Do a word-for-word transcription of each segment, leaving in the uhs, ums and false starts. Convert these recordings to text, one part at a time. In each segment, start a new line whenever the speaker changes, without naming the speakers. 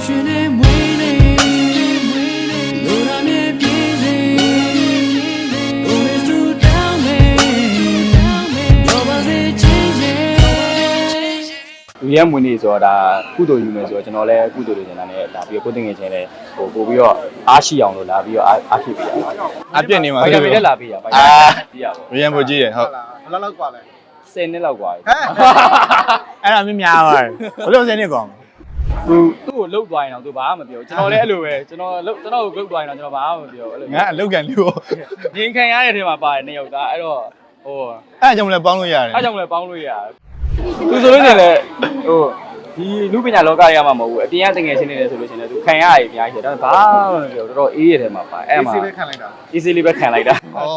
လူရဲမွေးနေဆိုတော့ဒါကုသိုလ်ယူမယ်ဆိုတော့ကျွန်တော်လည်းကုသိုလ်တွေကျန်တာနဲ့ဒါပြီးတော့ကိုယ်တင်ငယ်ချင်းလည်းဟိုပို့ပြီးတော့အားရှိအောင်လို့လာပြီးတော့အားဖြစ်ပေးရပါ
အပြည့်နေမှာ
ဗိုက်တာမင်လည်းလာပေးရဗိုက်တာကြည့်ရပါ
ဘူးရန်ဖို့ကြီးတယ်ဟုတ်
ဘယ်လောက်กว่าလဲ
ဆယ်နှစ်လောက်กว่าဟဲ့
အဲ့ဒါမင်းများပါတယ်ဘလို့ဆယ်နှစ်ကောင်
သူသူ့ကိုလှုပ်သွားရင်တော့သူဘာမှမပြောကျွန်တော်လည်းအဲ့လိုပဲကျွန်တော်လှုပ်ကျွန်တော်ကိုလှုပ်သွားရင်တော့ကျွန်တော်ဘာမှမပြောအဲ့လို
ငါအလောက်ကန်လို့
ငင်းခံရတဲ့ထဲမှာပါတယ်နှစ်ယောက်သားအဲ့တော့ဟို
အဲ့ကြောင့်လည်းပေါင်းလို့ရတယ်
အဲ့ကြောင့်လည်းပေါင်းလို့ရတယ်သူဆိုလို့ရှိရင်လည်းဟိုဒီလူပညာလောကရမှာမဟုတ်ဘူးအပြင်ကတငယ်ချင်းနေတယ်ဆိုလို့ရှိရင်လည်းသူခံရရအများကြီးတယ်ဒါပေမဲ့ဘာမှမပြောတော်တော်အေးရတဲ့မှာပါအဲ့မှာ
easy ပဲခံလိုက်တာ
easy လေးပဲခံလိုက်တာ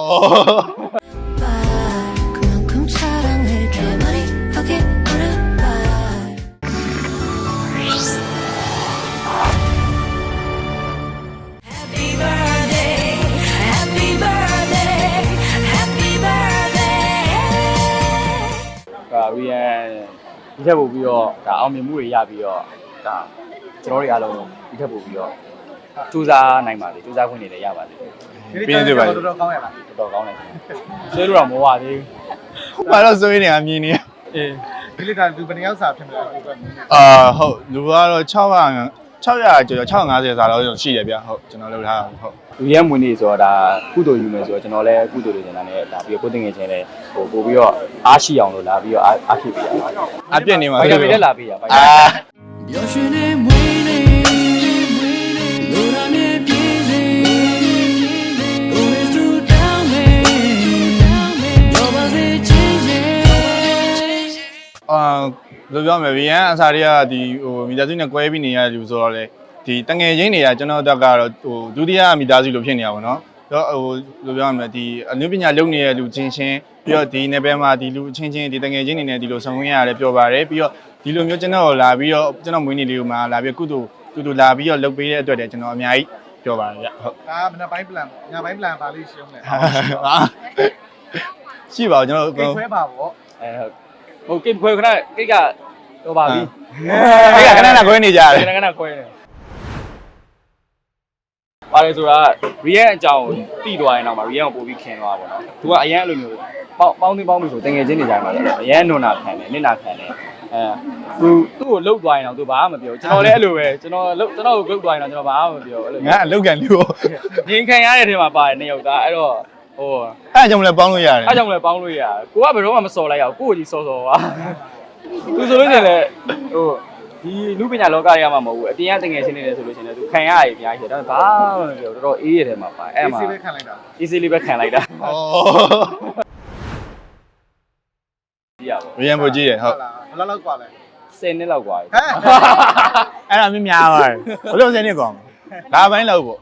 ရီယန်ဒီထက်ပို့ပြီးတော့ဒါအောင်မြင်မှုတွေရပြီးတော့ဒါကျွန်တော်တို့အားလုံးဒီထက်ပို့ပြီးတော့စူးစမ်းနိုင်ပါစေစူးစမ်းခွင့်တွေလည်းရပါစေ
ပြင်းပြပါတော်တော်ကောင်းရလား
တော်တော်ကောင်းတယ်ဆွဲလို့တော့မဟုတ်ပါသေး
ဘူးဘာလို့ဆွဲနေအမြင်နေ
အေးဒီလိတာလူဘယ်နှယောက်စာဖြစ်မလဲ
အာဟုတ်လူကတော့600 600ကျော်650စာလောက်ရှိတယ်ဗျဟုတ်ကျွန်တော်လုပ်ထားတာဟုတ်
လူရဲမွေးနေဆိုတော့ဒါကုသိုလ်ယူမယ်ဆိုတော့ကျွန်တော်လည်းကုသိုလ်တွေကျန်တာနဲ့ဒါပြီးတော့ကိုယ်တင်ငယ်ချင်းလည်းဟိုပို့ပြီးတော့အားရှိအောင်လို့လာပြီးတော့အားဖြစ်ပေးရပါ
အပြည့်နေမှာ
ဗိုက်တာမင်လည်းလာပေးရဗိုက်တာရောရှင်နေမွေးနေလူရနေပြေးစေကိုယ်စုတောင်းနေရောပါစေချင်းချင်း
အာလိုပြောမယ်ဗီယန်အစားတွေကဒီဟိုမိသားစုနဲ့ကွဲပြီးနေရတဲ့လူဆိုတော့လေဒီတငယ်ချင်းတွေကကျွန်တော်တို့ကတော့ဟိုဒုတိယမိသားစုလိုဖြစ်နေရပါတော့တော့ဟိုလိုပြောရမယ်ဒီအနုပညာလုပ်နေတဲ့လူချင်းချင်းပြီးတော့ဒီနယ်ပယ်မှာဒီလူချင်းချင်းဒီတငယ်ချင်းတွေနဲ့ဒီလိုဆောင်ရရတယ်ပြောပါတယ်ပြီးတော့ဒီလိုမျိုးကျွန်တော်လာပြီးတော့ကျွန်တော်မွေးနေ့လေးကိုမှလာပြီးကုသိုလ်ကုသိုလ်လာပြီးတော့လုပ်ပေးတဲ့အတွက်လည်းကျွန်တော်အများကြီးပြောပါတယ်ဗျဟုတ်
ဒါမနက်ပိုင်း plan ညပိုင်း plan ပါလိမ့်ရှင်းတယ်
ရှိပါကျွန်တော်
ကိတ်ခွဲပါဗော
အဲဟုတ်ဟိုကိတ်ခွဲခဏကိတ်ကတော့ပါပြီ
ကိတ်ကခဏခဏခွဲနေကြတယ်
ခဏခဏခွဲနေပါလေဆိုတာရီယန်အကြောင်းတိသွားရင်တော့မှရီယန်ကိုပို့ပြီးခင်သွားပါတော့သူကအရန်အဲ့လိုမျိုးပေါင်းပေါင်းသိပေါင်းပြီးဆိုတငယ်ချင်းနေကြမှာလေအရန်နွန်နာခံတယ်နစ်နာခံတယ်အဲသူသူ့ကိုလှုပ်သွားရင်တော့သူဘာမှမပြောကျွန်တော်လည်းအဲ့လိုပဲကျွန်တော်လှုပ်ကျွန်တော်ကိုလှုပ်သွားရင်တော့ကျွန်တော်ဘာမှမပြောအဲ့လို
ငါအလောက်ကန်လို့
ငင်းခံရတဲ့ထဲမှာပါတယ်နှစ်ယောက်သားအဲ့တော့ဟို
အဲ့ကြောင့်လည်းပေါင်းလို့ရတယ်
အဲ့ကြောင့်လည်းပေါင်းလို့ရတယ်ကိုကဘယ်တော့မှမစော်လိုက်ရအောင်ကိုကိုကြီးစော်စော်ပါသူဆိုလို့ရှိရင်လည်းဟိုဒီလူပညာလောကရမှာမဟုတ်ဘူးအပြင်ကတငယ်ချင်းနေတယ်ဆိုလို့ရှိရင်လည်းသူခံရရအများကြီးတယ်ဒါပေမဲ့ဘာမှမပြောတော်တော်အေးရတဲ့မှာပါအဲ့မှာ
easy ပဲခံလိုက်တာ
easy လေးပဲခံလိုက်တာ
ဩ
ကြည့်ရပါ
ရန်ဖို့ကြီးတယ်ဟုတ်
ဘယ်လောက်กว่าလဲ
ဆယ်နှစ်လောက်กว่า
ဟဲ့
အဲ့ဒါမင်းများပါတယ်ဘလို့ဆယ်နှစ်ကောင်ဒါပိုင်းလောက်ပေါ့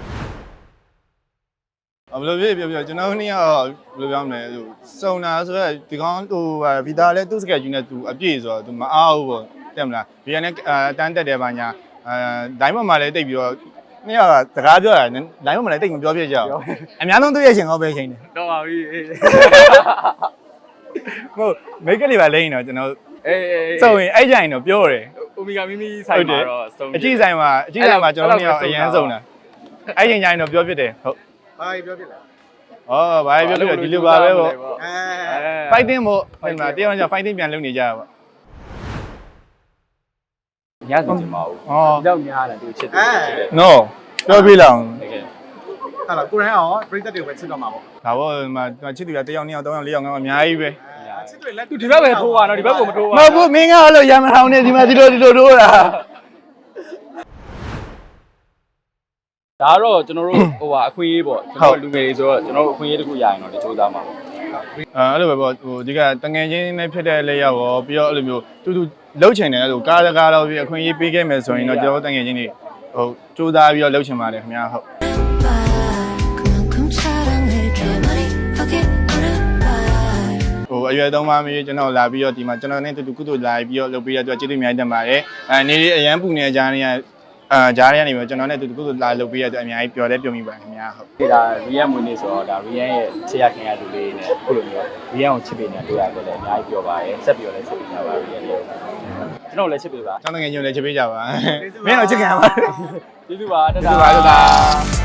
ဘယ်လိုဖြစ်ပြောပြောကျွန်တော်တို့နေ့ကဘယ်လိုပြောမလဲဟိုစုံတာဆိုတော့ဒီကောင်ဟိုဗီတာလည်းသူ့စကက်ကြီးနဲ့သူအပြည့်ဆိုတော့သူမအားဘူးပေါ့တက်မလားဗီယန်နဲ့အတန်းတက်တယ်ပါညာအဲဒိုင်းပေါ်မှာလည်းတိတ်ပြီးတော့နေ့ကစကားပြောတာဒိုင်းပေါ်မှာလည်းတိတ်မပြောပြကြဘူးအများဆုံးတွေ့ရချင်းကောပဲချင်းတယ်
တော့ပါပြီ
ဟုတ်မိတ်ကလေးပါလိမ့်တော့ကျွန်တော်
အေးအေး
စုံရင်အဲ့ကြရင်တော့ပြောတယ်
အိုမီဂါမီမီဆိုင်မှာတော့စုံ
အကြည့်ဆိုင်မှာအကြည့်ဆိုင်မှာကျွန်တော်တို့ကအရန်စုံတာအဲ့ချိန်ကျရင်တော့ပြောဖြစ်တယ်ဟုတ်
ဘာပြောဖြစ်လဲ
ဩဘာပြောဖြစ်လဲဒီလိုပါပဲပေါ့
အဲ
fighting ပေါ့ဟိုမှာတရားဝင်ကျ fighting ပြန်လုပ်နေကြတာပေါ့
ညစီချင်ပါဘူး။အော်။ကြောက်များတယ်သူချစ်တယ်။
No ပြောပြလောက်
။တကယ်။ဟာလားကိုရိုင်းအောင်ပြိသက်တွေပဲချစ်တော့မှာပေါ့
။ဒါပေါ့ဒီမှာချစ်သူကတစ်ယောက်နှစ်ယောက်သုံးယောက်လေးယောက်ငါအများကြီးပဲ
။ချစ်တွေလက်
သူဒီဘက်ပဲထိုးပါတော့ဒီဘက်ကိုမထိုးပါ
ဘူး။မဟုတ်ဘူးမင်းကအဲ့လိုရမထောင်နေဒီမှာဒီလိုဒီလိုထိုးတာ။
ဒါတော့ကျွန်တော်တို့ဟိုဟာအခွင့်အရေးပေါ့ကျွန်တော်လူငယ်တွေဆိုတော့ကျွန်တော်တို့အခွင့်အရေးတစ်ခုရရင်တော့ကြိုးစားမှာပေါ့
အဲအဲ့လိုပဲပေါ့ဟိုဒီကတငယ်ချင်းနဲ့ဖြစ်တဲ့လက်ရောက်ရောပြီးတော့အဲ့လိုမျိုးတူတူလှုပ်ချင်တယ်အဲ့လိုကားကားတော့ပြီးအခွင့်အရေးပေးခဲ့မယ်ဆိုရင်တော့ကျွန်တော်တငယ်ချင်းတွေဟိုကြိုးစားပြီးတော့လှုပ်ချင်ပါတယ်ခင်ဗျာဟုတ်ဟိုအရွယ်သုံးပါးမျိုးကျွန်တော်လာပြီးတော့ဒီမှာကျွန်တော်နဲ့တူတူကုသိုလ်လာပြီးတော့လုပ်ပေးရတဲ့အတွက်ကျေးဇူးအများကြီးတင်ပါတယ်အဲနေလေးအရန်ပူနေကြတဲ့နေရာအာဂျားရကနေပြီးကျွန်တော်နဲ့တူတူကုသိုလ်လာလုပ်ပေးရတဲ့အများကြီးပျော်လဲပျော်မိပါခင်ဗျာဟုတ်
ဒီဒါရီယန်မွေးနေ့ဆိုတော့ဒါရီယန်ရဲ့ချစ်ရခင်ရတူလေးနဲ့အခုလိုမျိုးရီယန်ကိုချစ်ပေးနေတာတွေ့ရတယ်လည်းအများကြီးပျော်ပါတယ်ဆက်ပြီးတော့လည်းချစ်ပေးကြပါရီယန်လေးကျွန်တော်လည်းချစ်ပေးပါ
ကျောင်းတငယ်ညိုလည်းချစ်ပေးကြပါ
မင်းတော့ချစ်ခံရပါ
ကျေးဇူးပါတ
ကျေး
တာ
ဇူးပါတတာ